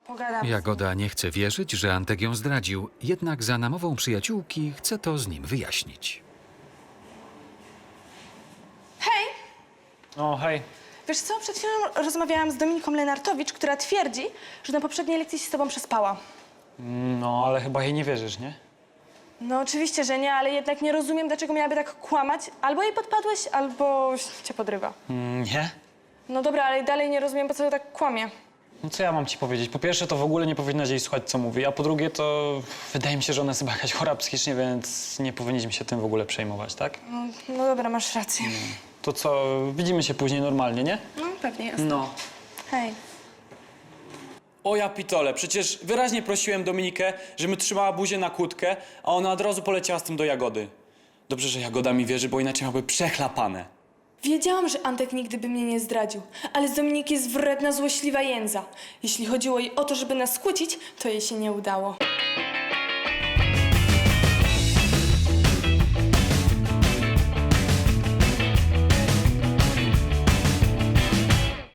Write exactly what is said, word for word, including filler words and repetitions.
Pogadam. Jagoda nie chce wierzyć, że Antek ją zdradził, jednak za namową przyjaciółki chce to z nim wyjaśnić. Hej! O, hej. Wiesz co, przed chwilą rozmawiałam z Dominiką Lenartowicz, która twierdzi, że na poprzedniej lekcji się z tobą przespała. No, ale chyba jej nie wierzysz, nie? No oczywiście, że nie, ale jednak nie rozumiem, dlaczego miałaby tak kłamać. Albo jej podpadłeś, albo cię podrywa. Mm, nie? No dobra, ale dalej nie rozumiem, po co tak kłamie. No co ja mam ci powiedzieć? Po pierwsze, to w ogóle nie powinnaś jej słuchać, co mówi, a po drugie, to wydaje mi się, że ona jest chyba jakaś chora psychicznie, więc nie powinniśmy się tym w ogóle przejmować, tak? No, no dobra, masz rację. To co, widzimy się później normalnie, nie? No pewnie, jasne. No. Hej. O ja pitole, przecież wyraźnie prosiłem Dominikę, żeby trzymała buzię na kłódkę, a ona od razu poleciała z tym do Jagody. Dobrze, że Jagoda mi wierzy, bo inaczej miałby przechlapane. Wiedziałam, że Antek nigdy by mnie nie zdradził, ale z Dominiki jest wredna, złośliwa jędza. Jeśli chodziło jej o to, żeby nas skłócić, to jej się nie udało.